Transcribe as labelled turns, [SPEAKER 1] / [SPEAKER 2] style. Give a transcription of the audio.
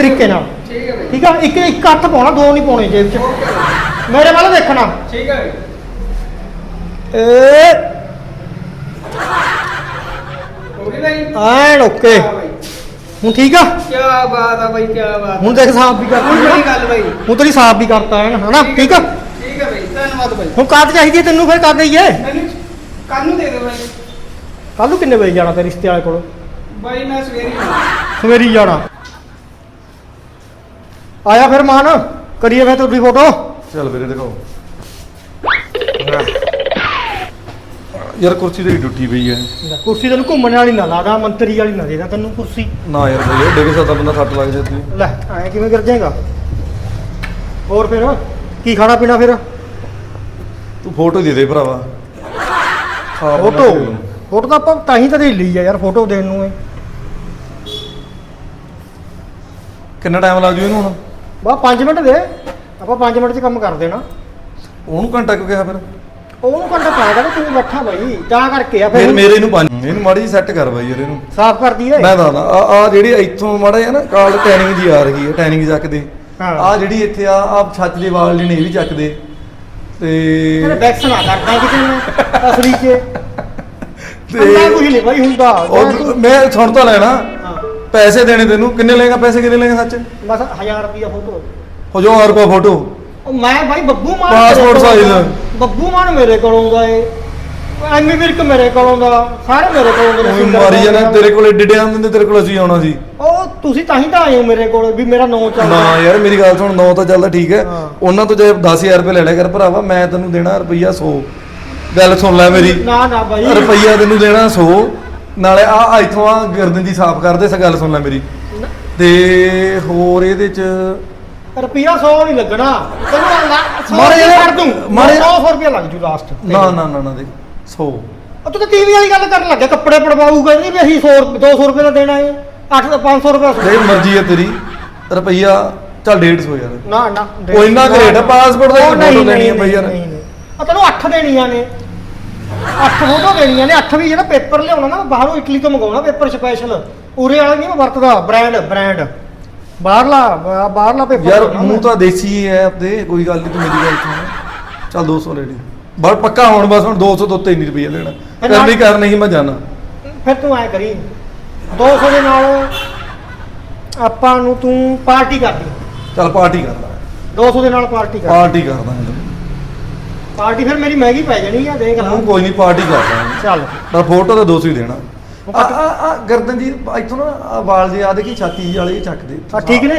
[SPEAKER 1] ਤਰੀਕੇ ਨਾਲ ਠੀਕ ਆ। ਇੱਕ ਇੱਕ ਹੱਥ ਪਾਉਣਾ, ਦੋ ਨਹੀਂ ਪਾਉਣੇ ਜੇਬ 'ਚ। ਮੇਰੇ ਵੱਲ ਦੇਖਣਾ।
[SPEAKER 2] ਠੀਕ ਹੈ
[SPEAKER 1] ਏ ਐਨ ਓਕੇ। ਹੁਣ ਠੀਕ ਆ।
[SPEAKER 2] ਕੀ ਬਾਤ ਆ ਬਾਈ, ਕੀ ਬਾਤ।
[SPEAKER 1] ਹੁਣ ਦੇਖ ਸਾਫ ਵੀ ਕਰਤਾ
[SPEAKER 2] ਬੜੀ ਗੱਲ ਬਾਈ।
[SPEAKER 1] ਹੁਣ ਤੇਰੀ ਸਾਫ ਵੀ ਕਰਤਾ ਐਨ ਹਨਾ। ਠੀਕ ਆ
[SPEAKER 2] ਠੀਕ ਹੈ ਬਾਈ, ਧੰਨਵਾਦ ਬਾਈ।
[SPEAKER 1] ਹੁਣ ਕਾਹਦ ਚਾਹੀਦੀ ਹੈ ਤੈਨੂੰ? ਫਿਰ ਕਰ ਦਈਏ।
[SPEAKER 2] ਮੈਨੂੰ ਕੱਲ ਨੂੰ ਦੇ ਦੇ ਬਾਈ।
[SPEAKER 1] ਕੱਲ ਨੂੰ ਕਿੰਨੇ ਵਜੇ ਜਾਣਾ ਤੇ ਰਿਸ਼ਤੇ ਵਾਲੇ ਕੋਲ?
[SPEAKER 2] ਬਾਈ ਮੈਂ ਸਵੇਰੇ ਹੀ ਆਉਣਾ।
[SPEAKER 1] ਸਵੇਰੀ ਜਾਣਾ। ਆਇਆ ਫਿਰ ਮਾਨ, ਕਰੀਏ ਫਿਰ ਤੁਹਾਡੀ ਫੋਟੋ।
[SPEAKER 3] ਚੱਲ ਵੀਰੇ ਦਿਖਾਓ ਯਾਰ, ਕੁਰਸੀ ਤੇ ਟੁੱਟੀ ਪਈ ਹੈ।
[SPEAKER 1] ਕੁਰਸੀ ਤੈਨੂੰ ਘੁੰਮਣ ਵਾਲੀ ਨਾ ਲਾਦਾ, ਮੰਤਰੀ ਵਾਲੀ ਨਾ ਦੇਦਾ ਤੈਨੂੰ ਕੁਰਸੀ।
[SPEAKER 3] ਨਾ ਯਾਰ ਬਈ, ਡਿੱਗ ਸਕਦਾ ਬੰਦਾ, ਸੱਟ ਲੱਗ ਜਾਂਦੀ।
[SPEAKER 1] ਲੈ ਐ ਕਿਵੇਂ ਗਿਰ ਜਾਏਗਾ? ਹੋਰ ਫਿਰ ਕੀ ਖਾਣਾ ਪੀਣਾ ਫਿਰ?
[SPEAKER 3] ਤੂੰ ਫੋਟੋ ਦੇ ਦੇ ਭਰਾਵਾ।
[SPEAKER 1] ਫੋਟੋ ਫੋਟੋ ਤਾਂ ਆਪਾਂ ਤਾਂ ਹੀ ਤਾਂ ਦੇ ਲਈ ਆ ਯਾਰ, ਫੋਟੋ ਦੇਣ ਨੂੰ।
[SPEAKER 3] ਕਿੰਨਾ ਟਾਈਮ ਲੱਗ ਜੂ ਇਹਨੂੰ ਹੁਣ?
[SPEAKER 1] ਬਾ 5 ਮਿੰਟ ਦੇ, ਆਪਾਂ 5 ਮਿੰਟ 'ਚ ਕੰਮ ਕਰ ਦੇਣਾ।
[SPEAKER 3] ਉਹਨੂੰ ਘੰਟਾ ਕਿਉਂ ਕਿਹਾ ਫਿਰ?
[SPEAKER 1] ਉਹਨੂੰ ਘੰਟਾ ਪਾਏਗਾ ਨਾ, ਤੂੰ ਬੈਠਾ ਬਾਈ ਤਾਂ ਕਰਕੇ ਆ।
[SPEAKER 3] ਫਿਰ
[SPEAKER 1] ਫਿਰ
[SPEAKER 3] ਮੇਰੇ ਇਹਨੂੰ ਮਾੜੀ ਜਿਹੀ ਸੈੱਟ ਕਰ ਬਾਈ ਯਾਰ ਇਹਨੂੰ।
[SPEAKER 1] ਸਾਫ਼ ਕਰ ਦਈਏ।
[SPEAKER 3] ਮੈਂ ਦੱਸਦਾ ਆ ਜਿਹੜੀ ਇੱਥੋਂ ਮਾੜਾ ਜਿਹਾ ਨਾ ਕਾਲ ਟੈਨਿੰਗ ਜੀ ਆ ਰਹੀ ਹੈ, ਟੈਨਿੰਗ ਚੱਕਦੇ।
[SPEAKER 1] ਹਾਂ।
[SPEAKER 3] ਆ ਜਿਹੜੀ ਇੱਥੇ ਆ ਛੱਤ ਦੇ ਵਾਲ ਜਿਹੜੇ ਇਹ ਵੀ ਚੱਕਦੇ
[SPEAKER 1] ਤੇਰੇ
[SPEAKER 3] ਤੇ
[SPEAKER 1] ਬੈਕਸ ਨਾ ਕਰਦਾ ਕਿਸੇ ਨੇ ਅਸਲੀ 'ਚ।
[SPEAKER 3] ਤੇ
[SPEAKER 1] ਅੰਨਾ ਕੁਝ ਨਹੀਂ ਬਾਈ ਹੁੰਦਾ।
[SPEAKER 3] ਮੈਂ ਸੁਣ ਤਾਂ ਲੈਣਾ।
[SPEAKER 1] ਹਾਂ
[SPEAKER 3] ਪੈਸੇ ਦੇਣੇ ਤੈਨੂੰ ਕਿੰਨੇ ਲਏਗਾ? ਪੈਸੇ ਕਿੰਨੇ ਲਏਗਾ ਸੱਚ?
[SPEAKER 1] ਬਸ 1000 ਰੁਪਿਆ ਫੋਟੋ।
[SPEAKER 3] 1000 ਰੁਪਏ ਫੋਟੋ?
[SPEAKER 1] ਉਹ ਮੈਂ ਭਾਈ ਬੱਬੂ ਮਾਨ
[SPEAKER 3] ਪਾਸਪੋਰਟ ਸਾਈਜ਼।
[SPEAKER 1] ਬੱਬੂ ਮਾਨ ਮੇਰੇ ਕੋਲ ਆਉਂਦਾ ਏ, ਐਮੀ ਵਿਰਕ ਮੇਰੇ ਕੋਲ ਆਉਂਦਾ, ਸਾਰੇ ਮੇਰੇ ਕੋਲ ਆਉਂਦੇ
[SPEAKER 3] ਉਹ ਮਾਰੀ ਜਾਣਾ। ਤੇਰੇ ਕੋਲ ਏਡੇ ਡੇ ਆਉਂਦੇ, ਤੇਰੇ ਕੋਲ ਅਸੀਂ ਆਉਣਾ ਸੀ।
[SPEAKER 1] ਉਹ ਤੁਸੀਂ ਤਾਂ ਹੀ ਤਾਂ ਆਏ ਹੋ ਮੇਰੇ ਕੋਲ ਵੀ ਮੇਰਾ ਨਾਂ ਚੱਲਦਾ।
[SPEAKER 3] ਨਾ ਯਾਰ ਮੇਰੀ ਗੱਲ ਸੁਣ, 9 ਤਾਂ ਚੱਲਦਾ ਠੀਕ ਹੈ।
[SPEAKER 1] ਹਾਂ।
[SPEAKER 3] ਉਹਨਾਂ ਤੋਂ ਜੇ 10000 ਰੁਪਏ ਲੈ ਲਿਆ ਕਰ ਭਰਾਵਾ, ਮੈਂ ਤੈਨੂੰ ਦੇਣਾ ਰੁਪਈਆ 100। ਗੱਲ ਸੁਣ ਲੈ ਮੇਰੀ।
[SPEAKER 1] ਨਾ ਨਾ ਬਾਈ,
[SPEAKER 3] ਰੁਪਈਆ ਤੈਨੂੰ ਦੇਣਾ 100। ਨਾਲੇ ਆ ਇੱਥੋਂ ਆ ਗਰਦਨ ਦੀ ਸਾਫ਼ ਕਰਦੇ। ਇਸ ਗੱਲ ਸੁਣ ਲੈ ਮੇਰੀ। ਤੇ ਹੋਰ ਇਹਦੇ ਚ
[SPEAKER 1] ਰੁਪਿਆ 100 ਨਹੀਂ ਲੱਗਣਾ ਤੈਨੂੰ।
[SPEAKER 3] ਮਾਰੇ
[SPEAKER 1] ਛੱਡ ਦੂੰ,
[SPEAKER 3] ਮਾਰੇ
[SPEAKER 1] 900 ਰੁਪਿਆ ਲੱਗ ਜੂ ਲਾਸਟ।
[SPEAKER 3] ਨਾ ਨਾ ਨਾ ਨਾ ਦੇ 100।
[SPEAKER 1] ਤੂੰ ਤਾਂ ਟੀਵੀ ਵਾਲੀ ਗੱਲ ਕਰਨ ਲੱਗਿਆ, ਕੱਪੜੇ ਪੜਵਾਊਗਾ ਨਹੀਂ ਵੀ ਅਸੀਂ 100 200 ਰੁਪਏ ਦਾ ਦੇਣਾ ਹੈ। 500 ਰੁਪਏ।
[SPEAKER 3] ਜੇ ਮਰਜ਼ੀ ਹੈ ਤੇਰੀ। ਰੁਪਈਆ ਚੱਲ 150 ਯਾਰ।
[SPEAKER 1] ਨਾ ਨਾ
[SPEAKER 3] ਉਹ ਇੰਨਾ ਕੁ ਰੇਟ ਆ, ਪਾਸਪੋਰਟ ਦਾ
[SPEAKER 1] ਉਹ
[SPEAKER 3] ਇੱਕ ਫੋਟੋ ਦੇਣੀ ਹੈ ਬਈ ਯਾਰ।
[SPEAKER 1] ਆ ਤੈਨੂੰ 8 ਦੇਣੀਆਂ ਨੇ, 8 ਫੋਟੋ ਦੇਣੀਆਂ ਨੇ। 8 ਵੀ ਜਿਹੜਾ ਪੇਪਰ ਲਿਆਉਣਾ ਨਾ, ਬਾਹਰੋਂ ਇਟਲੀ ਤੋਂ ਮੰਗਾਉਣਾ ਪੇਪਰ ਸਪੈਸ਼ਲ। ਉਰੇ ਵਾਲਾ ਨਹੀਂ ਮੈਂ ਵਰਤਦਾ, ਬ੍ਰਾਂਡ ਬਾਹਰਲਾ ਪੇਪਰ
[SPEAKER 3] ਯਾਰ ਮੂੰਹ ਤਾਂ ਦੇਸੀ ਹੈ ਆਪਦੇ, ਕੋਈ ਗੱਲ ਨਹੀਂ। ਤੂੰ ਮੇਰੀ ਗੱਲ ਸੁਣ, ਚੱਲ 200 ਲੈ ਲਈ ਬਸ ਪੱਕਾ। ਹੁਣ ਬਸ ਹੁਣ 200 ਤੋਂ ਉੱਤੇ ਨਹੀਂ ਰੁਪਈਆ ਲੈਣਾ। ਕਰਨੀ ਕਰ, ਨਹੀਂ ਮੈਂ ਜਾਣਾ।
[SPEAKER 1] ਫਿਰ ਤੂੰ ਐ ਕਰੀ 200 ਦੇ ਨਾਲ ਆਪਾਂ ਨੂੰ ਤੂੰ ਪਾਰਟੀ ਕਰ ਦੇ।
[SPEAKER 3] ਚੱਲ ਪਾਰਟੀ ਕਰ ਲਾ।
[SPEAKER 1] 200 ਦੇ ਨਾਲ ਪਾਰਟੀ ਕਰ।
[SPEAKER 3] ਪਾਰਟੀ ਕਰ ਦਾਂਗੇ।
[SPEAKER 1] ਪਾਰਟੀ ਫਿਰ ਮੇਰੀ ਮਹਿੰਗੀ ਪੈ ਜਾਣੀ ਆ, ਦੇਖ ਲਾ।
[SPEAKER 3] ਤੂੰ ਕੋਈ ਨਹੀਂ ਪਾਰਟੀ ਕਰ ਦਾਂਗੇ।
[SPEAKER 1] ਚੱਲ
[SPEAKER 3] ਪਰ ਫੋਟੋ ਤਾਂ 200 ਹੀ ਦੇਣਾ। ਆ ਗਰਦਨ ਜੀ ਇੱਥੋਂ ਨਾ ਵਾਲ ਜੇ ਆ ਦੇਖੀ, ਛਾਤੀ ਵਾਲੇ ਚੱਕਦੇ।
[SPEAKER 1] ਠੀਕ ਨੇ।